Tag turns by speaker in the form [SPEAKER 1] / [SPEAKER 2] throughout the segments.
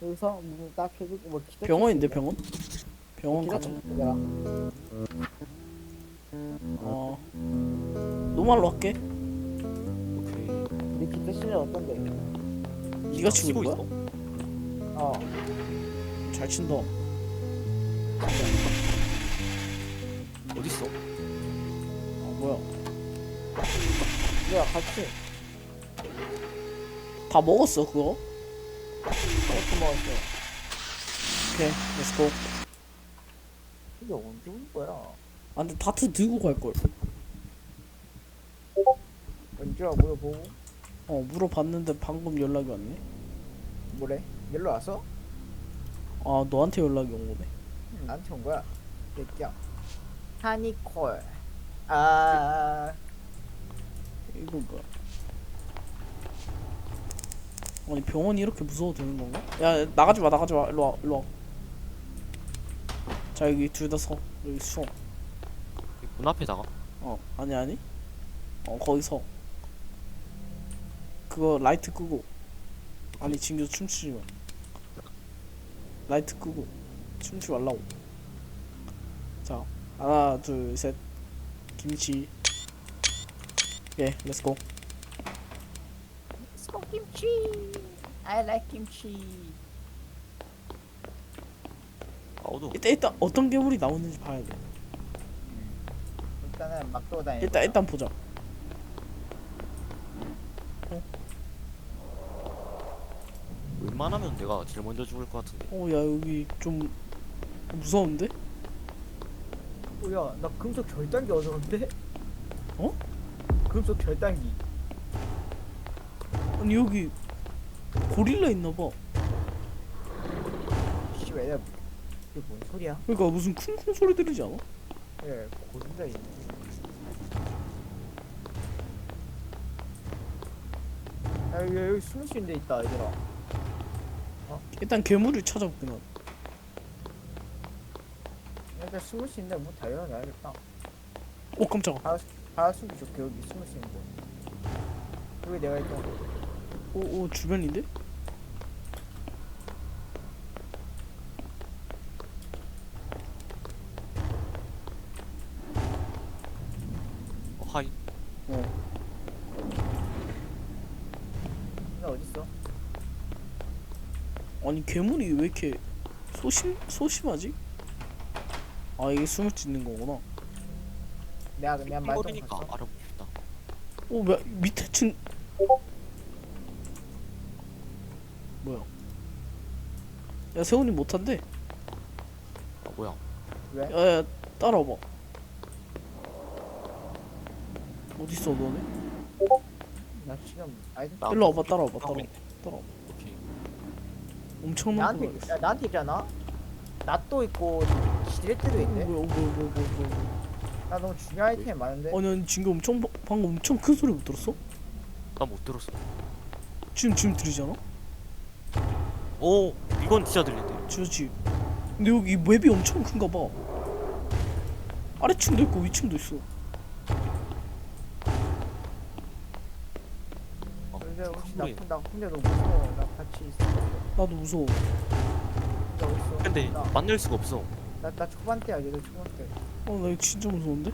[SPEAKER 1] 여기서 문딱 해주고 뭐 기다.
[SPEAKER 2] 병원인데 병원? 병원 가자.
[SPEAKER 1] 내가
[SPEAKER 2] 노말로 할게.
[SPEAKER 3] 오케이.
[SPEAKER 1] 네 기타 실력 어떤데?
[SPEAKER 2] 네가 치고 있는
[SPEAKER 3] 있어?
[SPEAKER 2] 거야?
[SPEAKER 1] 어.
[SPEAKER 2] 잘 친다.
[SPEAKER 3] 어딨어?
[SPEAKER 2] 뭐야?
[SPEAKER 1] 내가 같이
[SPEAKER 2] 다 먹었어 그거?
[SPEAKER 1] 어떻게 먹었어?
[SPEAKER 2] 오케이, 렛츠고.
[SPEAKER 1] 이게 언제 온 거야?
[SPEAKER 2] 아 근데 다트 들고 갈걸.
[SPEAKER 1] 언제야 물어보고
[SPEAKER 2] 물어봤는데 방금 연락이 왔네.
[SPEAKER 1] 뭐래? 연락 왔어?
[SPEAKER 2] 아 너한테 연락이 온 거네.
[SPEAKER 1] 나한테 온 거야. 새끼야. 하니콜. 아.
[SPEAKER 2] 이거 뭐야? 아니 병원이 이렇게 무서워도 되는 건가? 야 나가지 마 나가지 마 일로 와 일로 와. 자 여기 둘 다 서. 여기 서.
[SPEAKER 3] 문 앞에다가.
[SPEAKER 2] 아니 아니. 거기 서. 그거 라이트 끄고. 아니 진규 춤추지 마. 라이트 끄고 춤추지 말라고. 자 하나 둘 셋. 김치. 예 렛츠고.
[SPEAKER 1] 스코 김치. I like 김치.
[SPEAKER 3] 아 어두워.
[SPEAKER 2] 일단 어떤 괴물이 나오는지 봐야 돼.
[SPEAKER 1] 일단은 막 돌아다니.
[SPEAKER 2] 일단 보자.
[SPEAKER 3] 웬만하면 내가 제일 먼저 죽을 것 같은데.
[SPEAKER 2] 야 여기 좀 무서운데?
[SPEAKER 1] 뭐야? 나 금속 절단기 얻었는데?
[SPEAKER 2] 어?
[SPEAKER 1] 금속 절단기.
[SPEAKER 2] 아니 여기 고릴라 있나봐.
[SPEAKER 1] 씨, 왜 이게 뭔 소리야?
[SPEAKER 2] 그러니까 무슨 쿵쿵 소리 들리지 않아?
[SPEAKER 1] 예, 고진다 이. 야, 여기 숨을 수 있는 데 있다, 얘들아.
[SPEAKER 2] 일단 괴물을 찾아볼게 나.
[SPEAKER 1] 일단 숨을 수 있는 데뭐 달려 놔야겠다.
[SPEAKER 2] 깜짝아.
[SPEAKER 1] 바다 숨기 좋게 여기 숨을 수 있는 데. 여기 내가 있던 거.
[SPEAKER 2] 주변인데?
[SPEAKER 3] 하이.
[SPEAKER 1] 나 어딨어?
[SPEAKER 2] 아니 괴물이 왜 이렇게 소심하지? 아 이게 숨을 짓는 거구나.
[SPEAKER 1] 내가 말똥
[SPEAKER 3] 어리니까
[SPEAKER 1] 봤어.
[SPEAKER 3] 알아보고 싶다.
[SPEAKER 2] 밑에 층 뭐야? 야 세훈이 못한대.
[SPEAKER 3] 아 뭐야?
[SPEAKER 1] 왜?
[SPEAKER 2] 야야 따라와봐. 어딨어 너네?
[SPEAKER 1] 나 지금 아이템
[SPEAKER 3] 나
[SPEAKER 2] 일로 와봐 따라와봐
[SPEAKER 3] 하고
[SPEAKER 2] 따라와.
[SPEAKER 3] 있네.
[SPEAKER 2] 따라와.
[SPEAKER 3] 오케이.
[SPEAKER 2] 엄청난
[SPEAKER 1] 나한테
[SPEAKER 2] 거 있어.
[SPEAKER 1] 나한테 있잖아. 낫도 있고 지렛대도 있네.
[SPEAKER 2] 뭐야.
[SPEAKER 1] 나 너무 중요한 아이템 많은데.
[SPEAKER 2] 아니 지금 방금 엄청 큰 소리 못 들었어?
[SPEAKER 3] 나 못 들었어.
[SPEAKER 2] 지금 들리잖아?
[SPEAKER 3] 오 이건 진짜 들린대.
[SPEAKER 2] 그렇지. 근데 여기 맵이 엄청 큰가 봐. 아래층도 있고 위층도 있어.
[SPEAKER 1] 근데 혹시 나
[SPEAKER 3] 소리.
[SPEAKER 1] 혼자 너무 무서워. 나 같이 있어.
[SPEAKER 2] 나도 무서워.
[SPEAKER 1] 나 어딨어?
[SPEAKER 3] 근데 만날 수가 없어.
[SPEAKER 1] 나 초반대야. 얘들 초반대.
[SPEAKER 2] 나 이거 진짜 무서운데?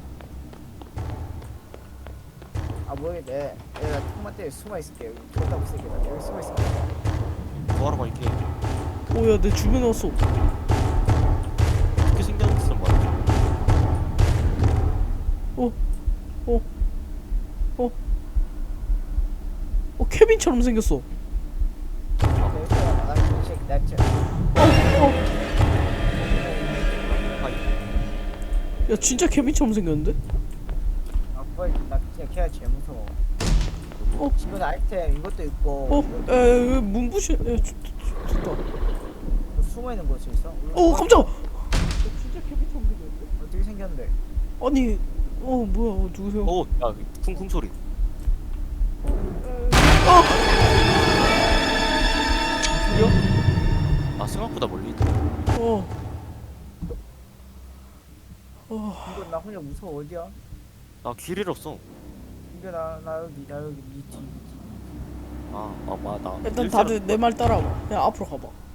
[SPEAKER 1] 아 모르겠네. 내가 초반대에 숨어 있을게. 여기 존나 무섭게. 나 여기 숨어 있을게.
[SPEAKER 3] 구하러 갈게.
[SPEAKER 2] 야 내 주변에 왔어.
[SPEAKER 3] 어떻게 생겼는지 좀 말해줘.
[SPEAKER 2] 케빈처럼 생겼어.
[SPEAKER 1] 나 진짜 나 진짜.
[SPEAKER 3] 하이.
[SPEAKER 2] 야 진짜 케빈처럼 생겼는데?
[SPEAKER 1] 아 뭐야? 나 진짜 걔가 제일 무서워. 지금 아이템 이것도 있고.
[SPEAKER 2] 문부시. 좋다.
[SPEAKER 1] 숨어 있는 곳이 있어?
[SPEAKER 2] 깜짝아. 진짜 케빈처럼 생겼는데?
[SPEAKER 1] 어떻게 생겼는데?
[SPEAKER 2] 아니 뭐야 누구세요?
[SPEAKER 3] 오야 쿵쿵 소리. 아 생각보다 멀리 있다.
[SPEAKER 1] 이거 나 혼자 무서워. 어디야?
[SPEAKER 3] 나 길 잃었어.
[SPEAKER 1] 이거 나 여기 밑이.
[SPEAKER 3] 나
[SPEAKER 2] 일단 다들 내 말 따라와봐. 그냥 앞으로 가봐.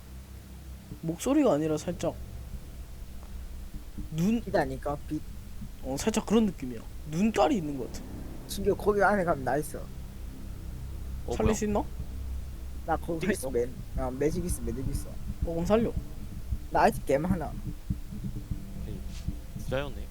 [SPEAKER 2] 목소리가 아니라 살짝 눈,
[SPEAKER 1] 빛아니까 빛.
[SPEAKER 2] 살짝 그런 느낌이야. 눈깔이 있는 것 같아.
[SPEAKER 1] 진규 거기 안에 가면 나 있어.
[SPEAKER 2] 살릴 수 있나?
[SPEAKER 1] 나 거기
[SPEAKER 3] 어디
[SPEAKER 1] 있어.
[SPEAKER 3] 있어?
[SPEAKER 1] 매직 있어 매직 있어.
[SPEAKER 2] 그럼 살려.
[SPEAKER 1] 나 아직 게임 하나.
[SPEAKER 3] 부자였네.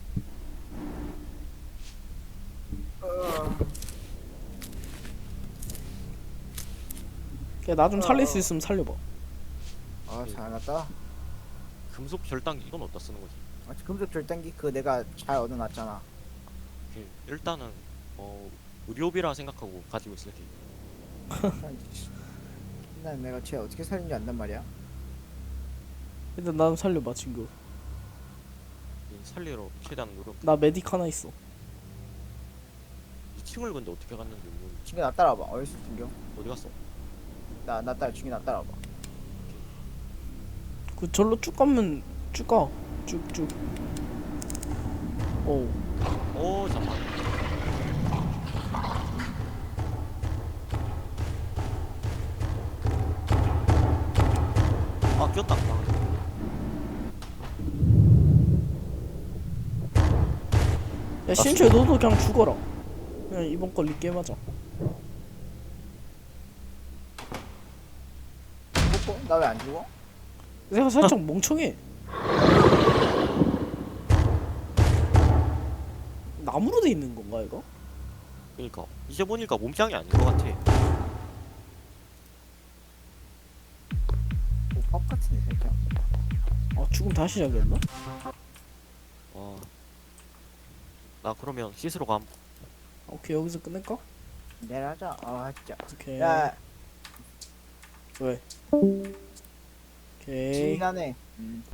[SPEAKER 2] 야, 나 좀 살릴 수 있으면 살려봐.
[SPEAKER 1] 잘 났다.
[SPEAKER 3] 금속 절단기 이건 어디다 쓰는 거지?
[SPEAKER 1] 금속 절단기 그거 내가 잘 얻어놨잖아.
[SPEAKER 3] 일단은 의료비라 생각하고 가지고 있을게.
[SPEAKER 1] 난 내가 쟤 어떻게 살인지 안단 말이야.
[SPEAKER 2] 일단 나 좀 살려봐 친구.
[SPEAKER 3] 살리러 최대한 노력.
[SPEAKER 2] 나 메딕 하나 있어.
[SPEAKER 3] 2층을 근데 어떻게 갔는지 모르겠네.
[SPEAKER 1] 진규 나 따라와봐. 어딨어 진규?
[SPEAKER 3] 어디 갔어?
[SPEAKER 1] 진규 나 따라와봐.
[SPEAKER 2] 그 절로 쭉 가면 쭉 가. 쭉쭉. 오.
[SPEAKER 3] 잠깐. 아 꼈다.
[SPEAKER 2] 야 신초에 너도 그냥 죽어라. 그냥 이번 거 리게임 하자.
[SPEAKER 1] 나 왜 안 죽어?
[SPEAKER 2] 내가 살짝 멍청해. 나무로 돼 있는 건가 이거?
[SPEAKER 3] 그러니까 이제 보니까 몸짱이 아닌 것 같아.
[SPEAKER 1] 밥 같은데 살짝.
[SPEAKER 2] 아 죽음 다시 시작했나?
[SPEAKER 3] 나 그러면 씻으러 감.
[SPEAKER 2] 오케이 여기서 끝낼까?
[SPEAKER 1] 내려가자. 아 진짜.
[SPEAKER 2] 오케이.
[SPEAKER 1] 야
[SPEAKER 2] 왜? 오케이.
[SPEAKER 1] 지나네.